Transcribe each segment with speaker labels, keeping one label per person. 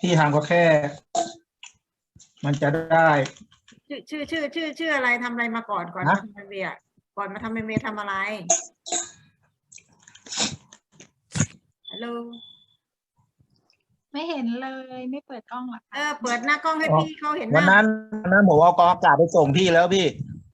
Speaker 1: ที่ทำก็แค่ มันจะได้
Speaker 2: ชื่ออะไรทำอะไรมาก่อนมาทำMBAก่อนมาทำMBAทำอะไรฮัลโหล
Speaker 3: ไม่เห็นเลยไม่เปิดกล้องหรอคะ
Speaker 2: เปิดหน้ากล้องให้พี่เขาเห็นห
Speaker 1: วัน
Speaker 2: น้า
Speaker 1: นั้นผมเอากองอากาศไปส่งพี่แล้วพี่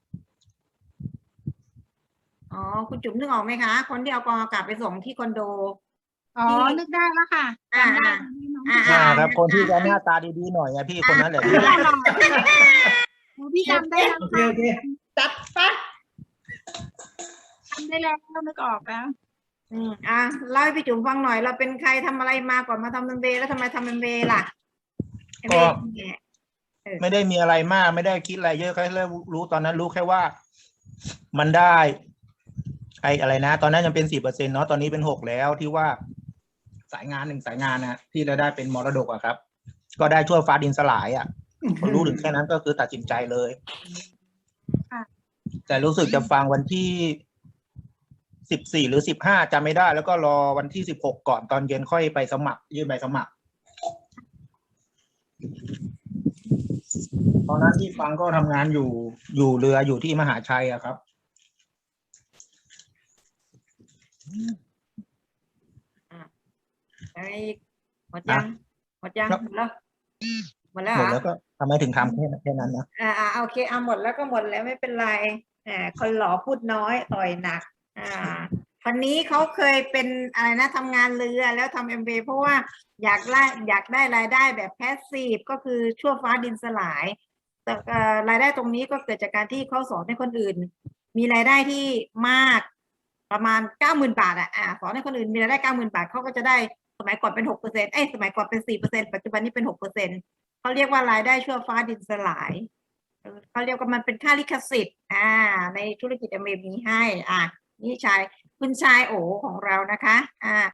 Speaker 2: อ๋อคุณจุ๋มนึกออกไหมคะคนที่เอากองอากาศไปส่งที่คอนโด
Speaker 3: อ๋อนึกได้แล้วค่ะจำได้ที่น้อง
Speaker 1: ครับคนที่จะหน้าตาดีๆหน่อยพี่คนนั้นแหละพี่
Speaker 3: พี่จำได้แล้ว
Speaker 1: โอเค
Speaker 2: จัดปะ
Speaker 3: จำได้แล้วนึกออกแล้ว
Speaker 2: เล่าให้พี่จุ๋มฟังหน่อยเราเป็นใครทำอะไรมาก่อนมาทำMBAแล้วทำไมทำMBAล่ะ
Speaker 1: ก็ไม่ได้มีอะไรมากไม่ได้คิดอะไรเยอะแค่รู้ตอนนั้นรู้แค่ว่า มันได้อะไรนะตอนนั้นยังเป็น4%เนาะตอนนี้เป็น6แล้วที่ว่าสายงาน1สายงานนะที่เราได้เป็นมรดกอะครับ ก็ได้ทั่วฟ้าดินสลายพอรู้ถึงแค่นั้นก็คือตัดสินใจเลยแต่รู้สึกจะฟังวันที่14หรือ15จำไม่ได้ แล้วก็รอวันที่16ก่อนตอนเย็นค่อยไปสมัครยื่นใบสมัครตอนนั้นที่ฟังก็ทำงานอยู่เรืออยู่ที่มหาชัยอะครับ
Speaker 2: หมดยังหมดแล้วหมดแล้ว
Speaker 1: หมดแล้วก็ทำไมถึงทำแค่นั้นนะ
Speaker 2: โอเคหมดแล้วก็หมดแล้วไม่เป็นไรคนหล่อพูดน้อยต่อยหนักคนนี้เขาเคยเป็นอะไรนะทำงานเรือแล้วทำMBAเพราะว่าอยากได้รายได้แบบแพสซีฟก็คือชั่วฟ้าดินสลายแต่รายได้ตรงนี้ก็เกิดจากการที่เขาสอนให้คนอื่นมีรายได้ที่มากประมาณ90,000 บาทสอนให้คนอื่นมีรายได้90,000 บาทเขาก็จะได้สมัยก่อนเป็น6%สมัยก่อนเป็น4%ปัจจุบันนี้เป็น6%เขาเรียกว่ารายได้ชั่วฟ้าดินสลายเขาเรียกว่ามันเป็นค่าลิขสิทธิ์ในธุรกิจMBAมีให้นี่คุณชายโอของเรานะคะ